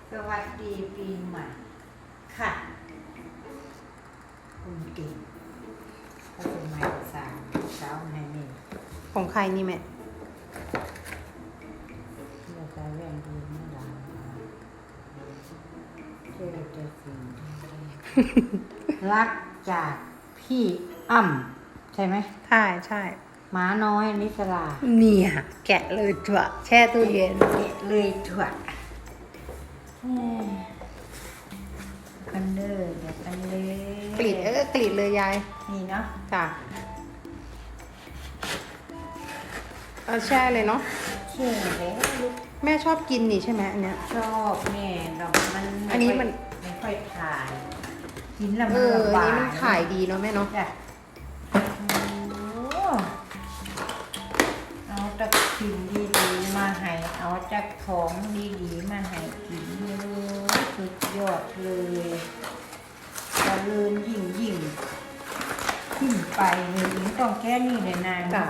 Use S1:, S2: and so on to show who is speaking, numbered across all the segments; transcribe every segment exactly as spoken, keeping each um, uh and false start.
S1: สวัสดีปีใหม่ค่ะคุณเก่งก็เป็นใหม่สามเช้าให้แม่
S2: ของใครนี่แม่
S1: เราจะแรงดีไม่ดังเชื่อจะสิ่งรักจากพี่อ้ำใช่ไหม
S2: ใช่ใช่
S1: หมาน้อยนิสลา
S2: เนี่ยแกะเลยถั่วแช่ตู้เย็น
S1: เลยถั่วกันเด้อเดี๋ยวกันเลย
S2: กรีดเออกรีดเลยยาย
S1: นี่เนาะ
S2: จ้ะเอาแช่เลยเนาะ
S1: เชื่อแล้วลูก
S2: แม่ชอบกินนี่ใช่ไหมอันเนี้ย
S1: ชอบแม่เรามัน
S2: อันนี้มัน
S1: ไม่ค่อยถ่ายกินแล้ว
S2: เอ
S1: มัน
S2: อ
S1: ลำ
S2: อัน
S1: บาก
S2: นี้มันขายดีเนาะแม่เนาะ
S1: จ้ะโอ้เอาตะขินดีๆมาให้เอาจากของดีๆมาให้กินเลยสุดยอดเลยเจริญยิ่งยิ่งขึ้นไปเลยไม่ต้องแค่นี้เลยนาง
S2: จ้ะ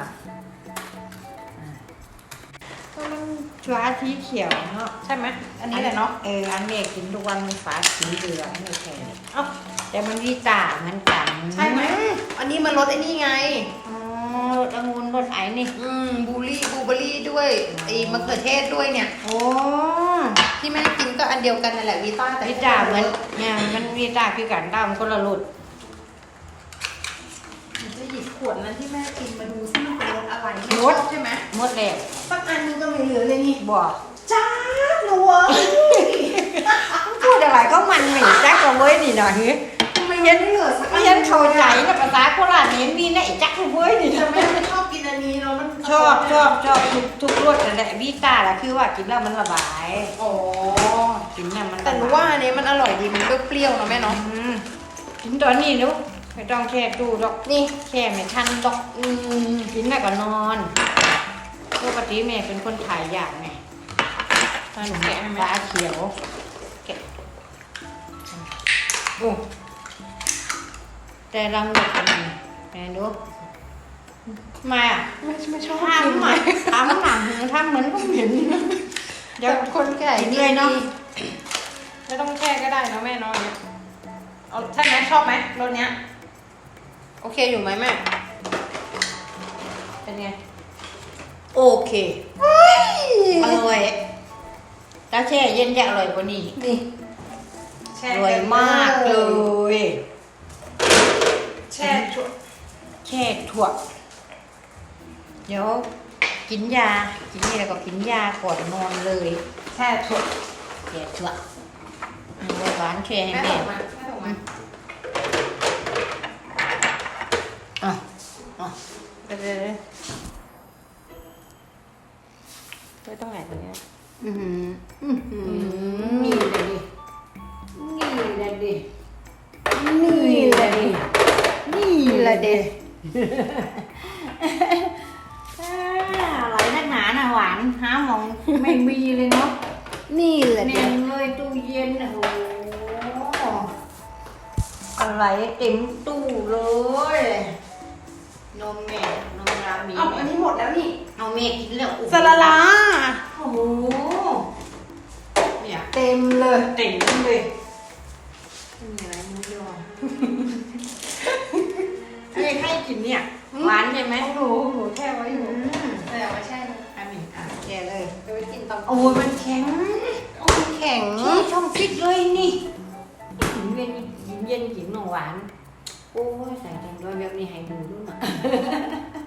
S1: ก็มันฟ้าสีเขียวเนาะ
S2: ใช่ไหมอันนี้แหละเนาะ
S1: เอออันนี้กินทุกวันมันฟ้าสีเหลืองไม่แข็งเอ้าแต่มันวิตาเหมือนกัน
S2: ใช่ไหมอันนี้มันรสไอ้นี่ไง
S1: อ๋อรสองุ่นรสไอ้นี่
S2: อืมบูรี่บลูเบอรี่ด้วยไอ้มะเขือเทศด้วยเนี่ย
S1: โอ้
S2: ที่แม่กินก็อันเดียวกันนั่นแหละวีต้าแต่
S1: วิตาเหมือนเนี่ยมันวิตาคือกันตามคนละรส
S2: จะหยิบขวดนั้นที่แม่กินมาดูซิมันเป็นรสอะไรแม่ชอบใช่ไหม
S1: หมดแล้ว
S2: สักอันนึงก็ไม่เหลือเลยนี่
S1: บอก
S2: จ้าหนูเว้ย
S1: พูดอะไรก็มันหนีจักกับเว้ยนี่หน่อยเฮ้ย
S2: ไม่ยันเหลือสัก
S1: ไม่ยันเข้าใจนะภาษาโคราชเนี่ยมีนะไอ้จักกับเว้ยนี่
S2: แต่
S1: ทำไม
S2: แม่ไม่ชอบกินอันนี้เนาะมัน
S1: ชอบชอบชอบทุกทุกรสแต่แหละวิตาแหละคือว่ากินแล้วมันระบาย
S2: อ๋อ
S1: กินแล้วมันระบาย
S2: แต่หนูว่าอันนี้มันอร่อยดีมันเปรี้ยวๆเนาะแม่เนาะ
S1: อืมกินตอนนี้ลูกไม่ต้องแช่ตู้ดอก
S2: นี่
S1: แช่ไม่ทันดอก
S2: อืม
S1: กินแล้วก็นอนปกติแม่เป็นคนถ่ายยากไง
S2: ตาหนูแกะให้ไหม
S1: ตาเขียวแกะโอ้แต่รังเด็กมันแม่ดูมาอ่ะ
S2: ไม่ไม่ชอบ
S1: ทำอ่ะทำหนังทำเหมือนก็เหม็นเดี๋ยว
S2: คนแก่
S1: กินเลยเนาะ
S2: ไม่ต้องแช่ก็ได้เนาะแม่เนาะเอาใช่ไหมชอบไหมรสเนี้ยโอเคอยู่ไหมแม่เป็นไง
S1: โอเคอร่อยแล้วแช่เย็นจะอร่อยกว่านี้
S2: นี่
S1: อร่อยมากเลย
S2: แช่ถั่ว
S1: แช่ถั่วเดี๋ยวกินยา กินนี่แล้วก็กินยาก่อนนอนเลย
S2: แช่ถั่ว
S1: แช่ถั่วอืมหวานแช่ให้
S2: แม่
S1: แม่
S2: ส่งมาแม่ส่งมา
S1: อ่ะอ่ะ
S2: เดี๋ยวเดี๋ยวเดี๋ยวไว้ตรงไหนตรงเนี้ย
S1: อือหืออือหือนี่เลยดินี่เลยดินี่เลยดินี่เลยดิอ่าอะไรนักหนาน่ะหวานหาหมองไม่มีเลยเนาะ
S2: นี่แหละ
S1: แน่
S2: เด็ก
S1: นเลยตู้เย็นโอ้โหอะไรเต็มตู้เลยนมแม่นมรามี
S2: เอาอันนี้หมดแล้วนี่
S1: เอาแม่กินแล้วโอ้โห
S2: สลาลา
S1: โอ้โหเนี่ย
S2: เต็มเลย
S1: เต็มเลยไม่มีอะไรมุ้งยอเรียกให้กินเนี่ยหวานใช่ไหม
S2: หนูหนูแช่ไว้อยู่
S1: อืม
S2: แต่เอาไว้แช่เลย
S1: อันนี้อ่ะแย่เลย
S2: เอาไว้กินตอน
S1: โอ้ยมันแข็ง
S2: โอ้ยแข็ง
S1: ที่ช่องฟิตเลยนี่กินเย็นกินเย็นกินหนมหวาน โอ้ยใส่แตงด้วยแบบนี้ให้ดูด้วยนะ